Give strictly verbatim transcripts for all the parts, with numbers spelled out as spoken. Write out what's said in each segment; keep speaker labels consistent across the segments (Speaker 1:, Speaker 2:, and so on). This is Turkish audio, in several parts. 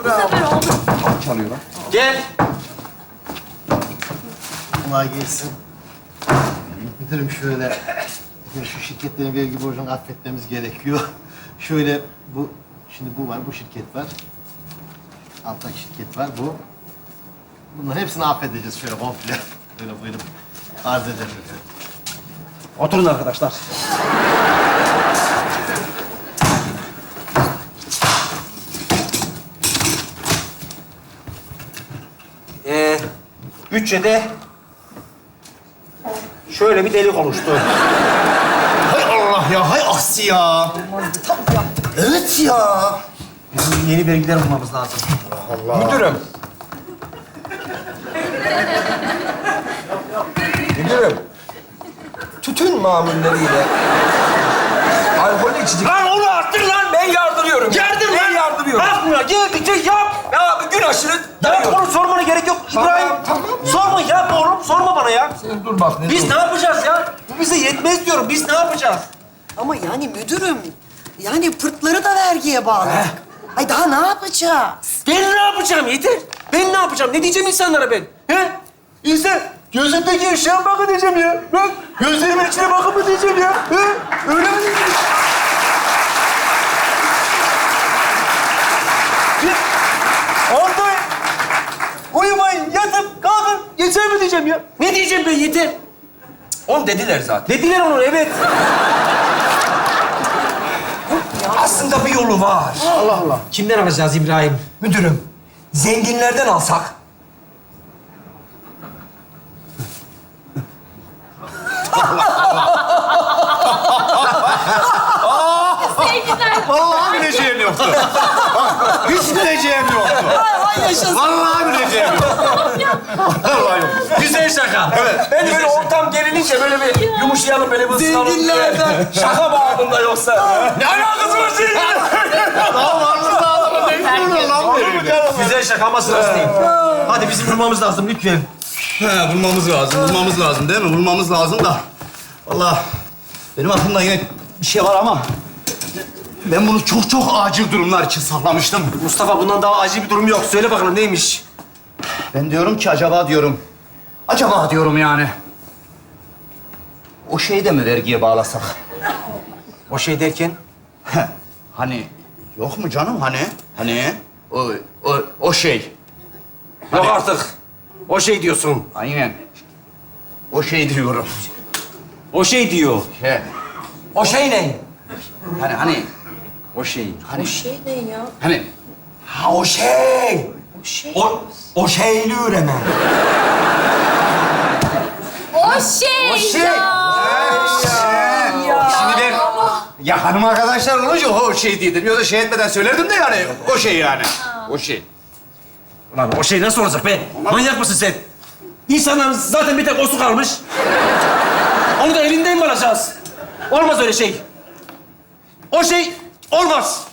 Speaker 1: Bu sefer oldu.
Speaker 2: Tam çalıyor lan.
Speaker 3: Gel.
Speaker 4: Kolay gelsin. Müdürüm şöyle, ya şu şirketlerin vergi borcunu affetmemiz gerekiyor. Şöyle bu, şimdi bu var, bu şirket var. Alttaki şirket var, bu. Bunların hepsini affedeceğiz şöyle komple. Böyle buyurun. Arz ederim efendim.
Speaker 3: Oturun arkadaşlar. Ee, bütçede şöyle bir delik oluştu.
Speaker 4: Hay Allah ya, hay aksi ya. Evet ya.
Speaker 3: Bizim yeni vergiler bulmamız lazım.
Speaker 2: Müdürüm. Müdürüm. Tütün mamulleriyle alkollü içecek...
Speaker 3: Lan onu arttır lan! Ben yardırıyorum. Yardır lan!
Speaker 2: Ben yardırıyorum.
Speaker 3: Bak buna, gel bir yap!
Speaker 2: Ya gün aşırı
Speaker 3: Ya
Speaker 2: dayıyorum.
Speaker 3: oğlum sormana gerek yok.
Speaker 2: Tamam,
Speaker 3: İbrahim,
Speaker 2: tamam.
Speaker 3: sorma yap oğlum. Sorma bana ya.
Speaker 2: Sen dur bak. Ne
Speaker 3: Biz
Speaker 2: dur.
Speaker 3: ne yapacağız ya? Bu bize yetmez diyorum. Biz ne yapacağız?
Speaker 5: Ama yani müdürüm, yani pırtları da vergiye bağladık. Ay daha ne yapacağız?
Speaker 3: Ben ne yapacağım yeter. Ben ne yapacağım? Ne diyeceğim insanlara ben? He? İnsan gözümdeki eşeğe bakın diyeceğim ya. Bak gözlerimin içine bakın mı diyeceğim ya. He? Öyle mi diyeceğim? Orada uyumayın, yatıp kalkın. Yeter mi diyeceğim ya? Ne diyeceğim ben yeter?
Speaker 2: Onu dediler zaten.
Speaker 3: Dediler onu evet.
Speaker 2: Aslında bir yolu var.
Speaker 3: Allah Allah. Kimden alacağız İbrahim?
Speaker 2: Müdürüm, zenginlerden alsak.
Speaker 1: Sevgiler.
Speaker 4: Vallahi bileceğim yoktu. Hiç bileceğim yoktu.
Speaker 5: Ay, ay yaşasın.
Speaker 4: Vallahi bileceğim yoktu. Vallahi yok.
Speaker 3: Güzel şaka.
Speaker 4: Evet.
Speaker 3: Ben böyle ortam gerilince böyle bir yumuşayalım, böyle bir ısınalım.
Speaker 5: Zenginlerden.
Speaker 3: Şaka babında yoksa. Ne alakası var zenginlerle?
Speaker 4: Daha varlığı da adamı ne bilmiyor lan benim.
Speaker 3: Güzel şaka ama sırası değil. Hadi bizim bulmamız lazım lütfen.
Speaker 4: He, bulmamız lazım, bulmamız lazım değil mi? Bulmamız lazım da. Vallahi benim aklımda yine bir şey var ama ben bunu çok çok acil durumlar için saklamıştım.
Speaker 3: Mustafa bundan daha acil bir durum yok. Söyle bakalım neymiş?
Speaker 4: Ben diyorum ki acaba diyorum, acaba diyorum yani. O şeyi de mi vergiye bağlasak?
Speaker 3: O şey derken?
Speaker 4: Hani yok mu canım hani? Hani o o o şey.
Speaker 3: Yok artık. O şey diyorsun.
Speaker 4: Aynen. O şey diyorum.
Speaker 3: O şey diyor.
Speaker 4: He.
Speaker 3: O şey ne?
Speaker 4: Hani hani
Speaker 3: O şey.
Speaker 4: hani
Speaker 5: Şey ne ya?
Speaker 4: hani
Speaker 3: Ha o şey.
Speaker 5: O şey.
Speaker 3: O, o şeyli üreme.
Speaker 1: O şey.
Speaker 3: O şey.
Speaker 4: Şimdi ben ya hanım arkadaşlar olunca o şey değildim. Yoksa şey etmeden söylerdim de yani o şey yani. O şey.
Speaker 3: Ulan o şey nasıl olacak be? Manyak mısın sen? İnsanların zaten bir tek osu kalmış. Onu da elinden mi alacağız? Olmaz öyle şey. O şey olmaz.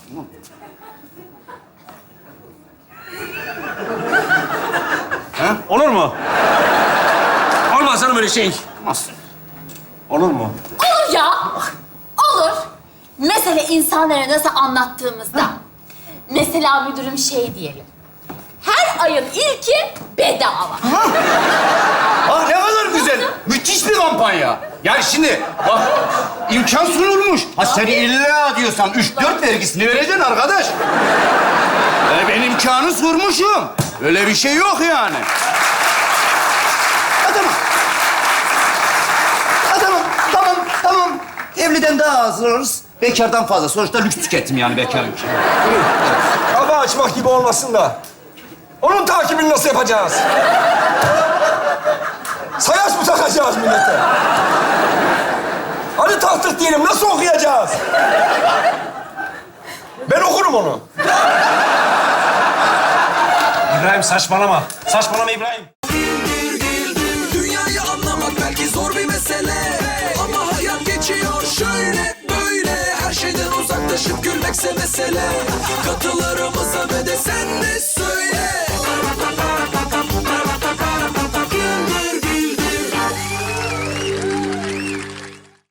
Speaker 3: Ha? Olur mu? Olmaz canım öyle şey.
Speaker 4: Nasıl?
Speaker 3: Olur mu?
Speaker 1: Olur ya. Olur. Mesela insanlara nasıl anlattığımızda. Mesela müdürüm şey diyelim. Her ayın ilki bedava.
Speaker 4: Ah ne kadar güzel. Müthiş bir kampanya. Yani şimdi bak imkan sunulmuş. Ha sen illa diyorsan üç dört vergisini vereceksin arkadaş. E, ben imkanı sormuşum. Öyle bir şey yok yani. Ha, tamam. Ha, tamam, tamam, tamam. Evliden daha az alırız. Bekardan fazla. Sonuçta lüks tüketim yani bekarlık.
Speaker 2: Kafa açmak gibi olmasın da. Onun takibini nasıl yapacağız? Sayaç mı takacağız millete? Hadi taktık diyelim, nasıl okuyacağız? Ben okurum onu.
Speaker 3: İbrahim saçmalama. Saçmalama İbrahim.